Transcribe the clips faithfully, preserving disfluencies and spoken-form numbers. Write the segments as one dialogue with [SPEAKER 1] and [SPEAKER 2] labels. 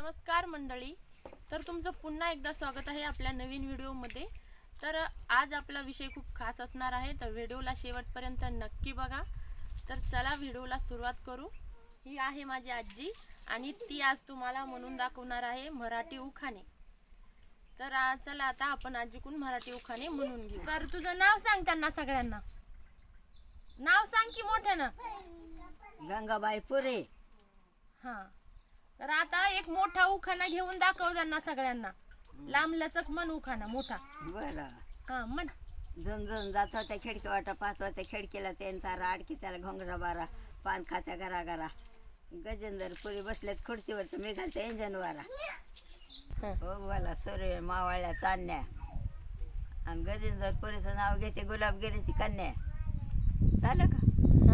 [SPEAKER 1] नमस्कार मंडळी, तर तुमचं पुन्हा एकदा स्वागत आहे आपल्या नवीन व्हिडिओमध्ये। तर आज आपला विषय खूप खास असणार आहे, तर व्हिडिओला शेवटपर्यंत नक्की बघा। तर चला व्हिडिओला सुरुवात करू। ही आहे माझी आजी आणि ती आज तुम्हाला म्हणून दाखवणार आहे मराठी उखाणे। तर आज चला आता आपण आजीकडून मराठी उखाणे म्हणून घेऊ। तर तुझं नाव सांग त्यांना सगळ्यांना, नाव सांग की मोठ्यानं।
[SPEAKER 2] गंगाबाई पुरे।
[SPEAKER 1] हा, तर आता एक मोठा उखाणा घेऊन दाखव त्यांना सगळ्यांना। लांब लचक मन उखाणा मोठा।
[SPEAKER 2] बरं।
[SPEAKER 1] हा म्हण।
[SPEAKER 2] झुन झुन जात होत्या खिडकी वाटा, पाहत होत्या खिडकीला त्यांचा राडकी, त्याला घोंगरा बारा, पान खात्या घरा घरा, गजेंद्र पुरी बसलेत खुर्चीवर, तर मी घालते इंजन वारा। हो बोला सूर्य मावळ्या चांदण्या, आणि गजेंद्र पुरीचं नाव घेते गुलाबगिरीची कन्या। झालं का?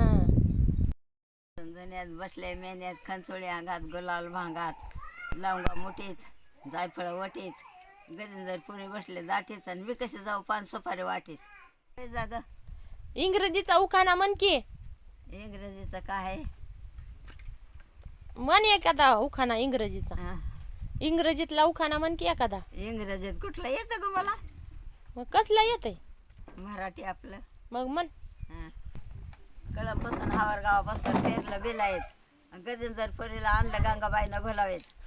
[SPEAKER 2] झुन्यात बसले मेन्यात, खंचोळी अंगात, गुलाल भांगात, लवंगा मुठीत, जायफळ वटीत, गजेंद्र पुरी बसले दाटीत, आणि मी कसे जाऊ पान सुपारी वाटीत। जाग
[SPEAKER 1] इंग्रजीचा उखाणा म्हण की।
[SPEAKER 2] इंग्रजीचं काय आहे?
[SPEAKER 1] म्हण एखादा उखाणा इंग्रजीचा।
[SPEAKER 2] हा,
[SPEAKER 1] इंग्रजीतला उखाणा म्हण की एखादा।
[SPEAKER 2] इंग्रजीत कुठलं येतं ग मला?
[SPEAKER 1] मग कसला येतंय?
[SPEAKER 2] मराठी आपलं।
[SPEAKER 1] मग म्हण।
[SPEAKER 2] हा, कळपासून हावर गावापासून पेरलं बिलायत, गजेंद्र पुरीला आणलं गंगाबाईनं घोलावेत,